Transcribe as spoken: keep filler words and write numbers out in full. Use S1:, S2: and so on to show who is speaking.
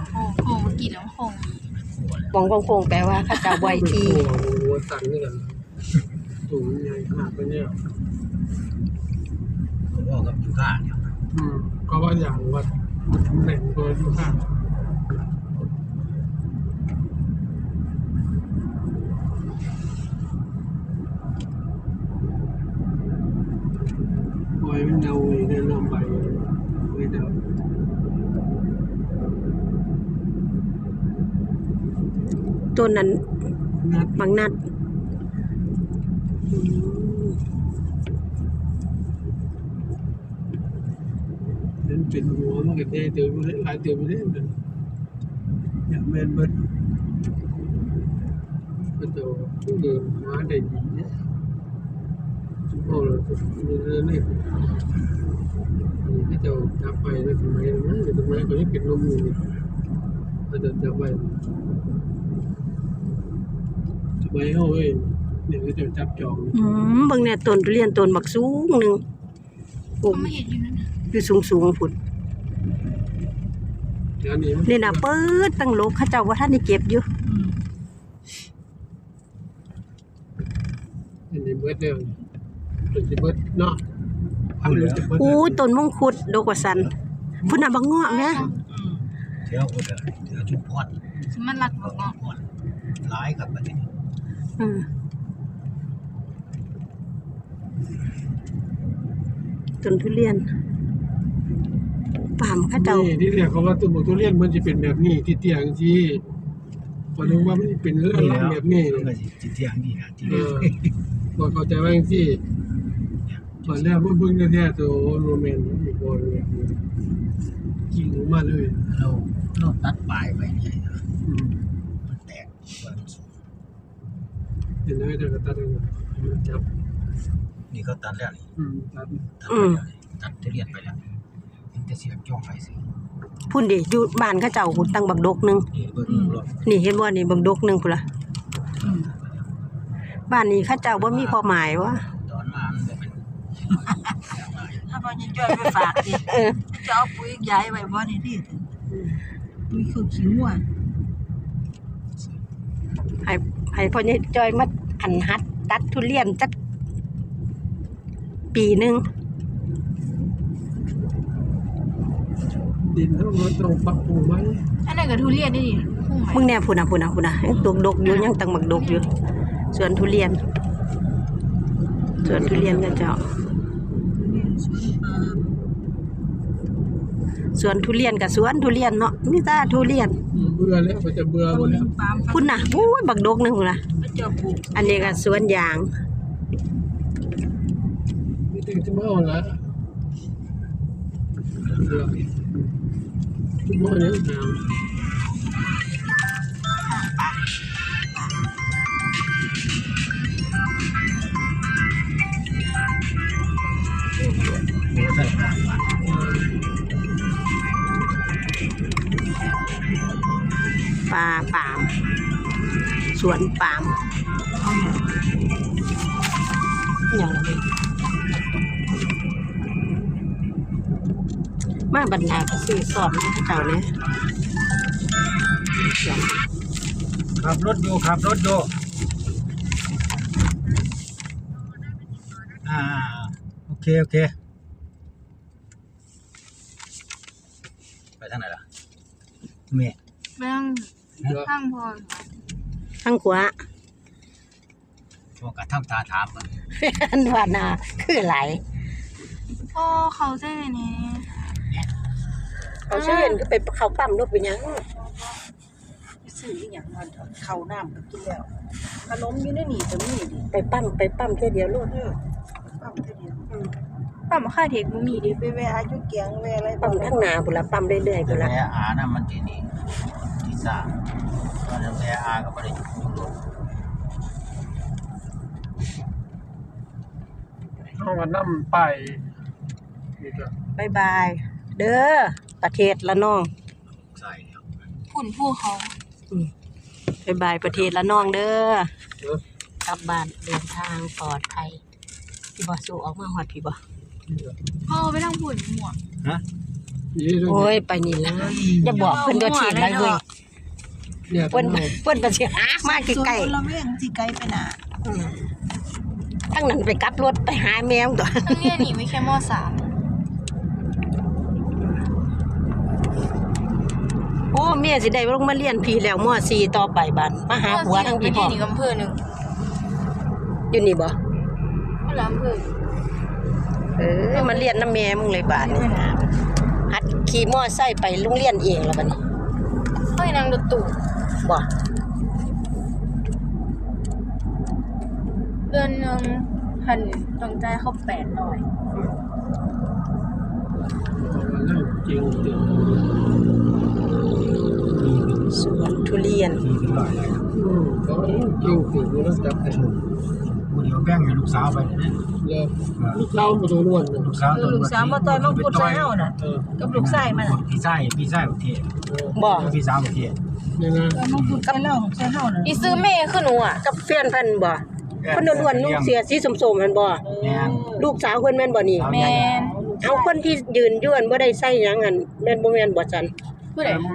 S1: โค้งโค้งกินแล้วโค้ง
S2: มองโค้งๆแปลว่าเขาเจ้าบ่อยที
S3: หัวสั่นนี่กันสูงใหญ่ขนาดนี้ผมบอกกับยูค่าเนี่ยอืมก็ว่าอย่างว่าแหน่งตัวยูค่าปล่อยมันเดาอีกเนี่ยลำไปไม่เดา
S2: ต้นนั้น
S3: นัด
S2: บางนัด
S3: เป็นเป็นหัวมันก็ได้เติมไปได้หลายเติมไปได้เลยอย่างแมนเบิดมันจะผู้เดินหาได้ดีเนี่ยชุบโอ้เราจะมีเรื่องนี้ที่จะจับไปแล้วทำไมนะทำไมก็ยังเป็นลมอยู่มันจะจับไปทำไมเฮ้ยเดี๋ยวจะจับจอง
S2: อืมเบิ่งเนี่ยต้นทุเรียนต้นบักสูงหนึงโอ้
S1: เขาไม่เห็นอยู่นั่นนะ
S2: อยู่สูงๆพุ่น
S3: เดี๋ยวนี้
S2: นี่น่ะเปิดตั้งโลกเขาเจ้าว่าท่านได้เก็บอยู่
S3: อันนี้เบิดเดียวเป็นที่เบิดเนาะ
S2: อู้ต้นมงคุดดอกว่าสันพุ่นน่ะบักเงาะแม่
S4: เที่ยวคนเดียวเที่ยวชุมพร
S1: มันรักบอกเนาะ
S4: พรร้ายกับประเทศ
S2: อืมต้นทุเรียนปามเขาเจ้า
S3: นี่ที่เรียกเขาว่าต้นทุเรียนมันจะเป็นแบบนี้ที่เตียงที่พอนึกว่ามันเป็นเรื่องแบบนี้
S4: มันก็สิเที่ยงนี่นะที่
S3: เออบอกเข้าใจว่าอย่างที่ตอนแรกเบิ่งๆแท้ๆตัวโรแมนอีกบ่แบบนี้กิ่งออกมาเลย
S4: เราเราตัดปลายไปนี่นะ
S3: อืม
S4: มันแตกมันสูง
S3: เห็นไหมเดี๋ยวก็ตัดเองจับ
S4: นี่เขาตัดแล้วนี่
S3: อืมตัด
S4: ตัดไปแล้วตัดทุเรียนไปแล้วยังจะเสียบจ้องไฟสิ
S2: พุ่นดิอยู่บ้านเขาเจ้าพุ่นตั้งบักดกหนึง
S4: นี่เบิ่งรถ
S2: นี่เห็นบ่นี่บักดกหนึงพุ่นล่ะบ้านนี้เขาเจ้าบ่มีความหมายว่า
S4: ตอนมามันบ่เป็น
S5: ถ้าพ่อจะช่วยไปฝากดิจะเอาปุ๋ยย้ายไว้บ่นี่ดิปุ๋ยคือขี้งัว
S2: ให้ให้พ่อใหญ่จอยมาอันหัดตัดทุเรียนจักปีหนึง
S3: ดินทั้งหมดต้องปรับปรุงไหม
S1: อันนั้นก็ทุเรียนนี่ดิคู่ใหม่
S2: มึงแน่พุ่นน่ะพุ่นน่ะพุ่นน่ะยังตกดกอยู่ยังตั้งบักดกอยู่สวนทุเรียนสวนทุเรียนเขาเจ้าสวนทุเรียนกับสวนทุเรียนเนาะมีแต่ทุเรียน
S3: อืมเบื่อแล้วก็จะเบื่อหมดแล้ว
S5: ปาล์ม
S2: พุ่นน่ะโอ้ยบักดกหนึงพุ่นน่ะ
S5: เขาจะปลูก
S2: อันนี้ก็สวนยาง
S3: นี่ถึงจะมาเอาละเบื่อทุกวันนี้งาม
S4: โอ้ใช่ครับ
S2: ปลาปาล์มสวนปาล์มอย่างไรมาบรรดาก็ซื้อสอนให้เจ้าเนี่ย
S4: ขับรถอยู่ขับรถอยู่อ่าโอเคโอเคไปทางไหนล่ะแม่
S1: ไปนั่งข้างพอ
S2: ทั้งขวา
S4: พวกกระทำตาถามมัน
S2: อันว่านาคือไหล
S1: พ่อเขาเส้นนี่
S2: เขาชื่อเห็นก็ไปเขาปั๊มรถไปยัง
S5: ซื้ออีหยังมาเข้าน้ำก็กินแล้วขนมอยู่ในนี่ก็มีดิ
S2: ไปปั๊มไปปั๊มแค่เดียวรถ
S5: เออปั๊มเท่าเดียว
S1: ปั๊มค่าเทคบ่มีดิ
S5: ไปแวะอายุเกียงแวะอะไร
S2: ปั๊มข้างหน้าพุ่นละปั๊มเรื่อยๆพุ่นละ
S4: แม่อานะมันที่นี่ที่สร้างตอนนั้นแม่อาก็ไม่ได้อยู่รถ
S3: เอามานั่มไปนี่ก็
S2: บายบาย เด้อประเทศละน้อง
S4: ใส่แล้ว
S1: ฝุ่นผู้เขา
S2: บายบายประเทศละน้องเด้อ
S3: เออก
S2: ลับบ้านเดินทางปลอดภัยพี่บ่สู้ออกมาฮอดพี่บ่
S3: นี่ก็
S1: พ่อไปนั่งฝุ่นหมวก
S4: ฮะ
S3: นี่ด้วย
S2: โอ้ยไปนี่ละอย่าบอกเพิ่นก็ถีบได้เว้ย
S3: เนี่ย
S2: เพิ่นเพิ่นไปสิหามาใกล้
S5: ๆเราไม่ยังสิไกลไปน่ะ
S2: ๆทั้งนั้นไปกลับรถไปหาแมวตัว
S1: ทั้งเรียนหนีไว้แค่มสาม
S2: โอ้แม่สิได้ลงมาเรียนพี่แล้วม .สี่ ต่อไปบัดมาหาผัวทั้งพี่
S1: ไป
S2: พ่อ
S1: เรียนอีกอำเภอหนึ่ง
S2: อยู่นี่บ่
S1: ก็ละอำเภอ
S2: เออมาเรียนน้ำแม่มึงเลยบาดนี่หัดขี่มอไซค์ไปโรงเรียนเองแล้วบัดนี้
S1: เฮ้ยนางรถตู้
S2: บ่
S1: เดือนหนึ่งหันต้องจ่ายเขาแปดร้อย
S3: เรื่องจริงจริง
S2: สวนทุเรียน
S4: สี่สิบร้อยเลย
S3: อืมเขาจริงจริงกูต้องจับแต่
S4: ผู้เดียวแบ่งให้ลูกสาวไปนะ
S3: เลยลูกเล่ามาตัวล้วนเลย
S4: ลูกสาว
S5: ลูกสาวมาต่อยมังคุดใส่เฮาน่ะ
S3: เออ
S5: กับลูกชายมันน่ะ
S4: พี่ชายพี่ชายประเทศ
S3: เออ
S2: บ่
S4: พี่สาวประเทศ
S3: เนี่ยนะ
S5: ต่อยมังคุดใส่เฮาใส่เฮาน่ะ
S1: อีซื้อเมย์คือหนูอ่ะ
S2: กับแฟนเพิ่นบ่เพิ่นอ้วนๆนุ่งเสียสีส้มๆหั่นบ่
S4: แม่น
S2: ลูกสาวเพิ่นแม่นบ่นี่
S1: แมน
S2: เอาคนที่ยืนอยู่อั่นบ่ได้ใส่หยังหั่นแม่นบ่แม่นบ่จัน
S1: ผู้ใด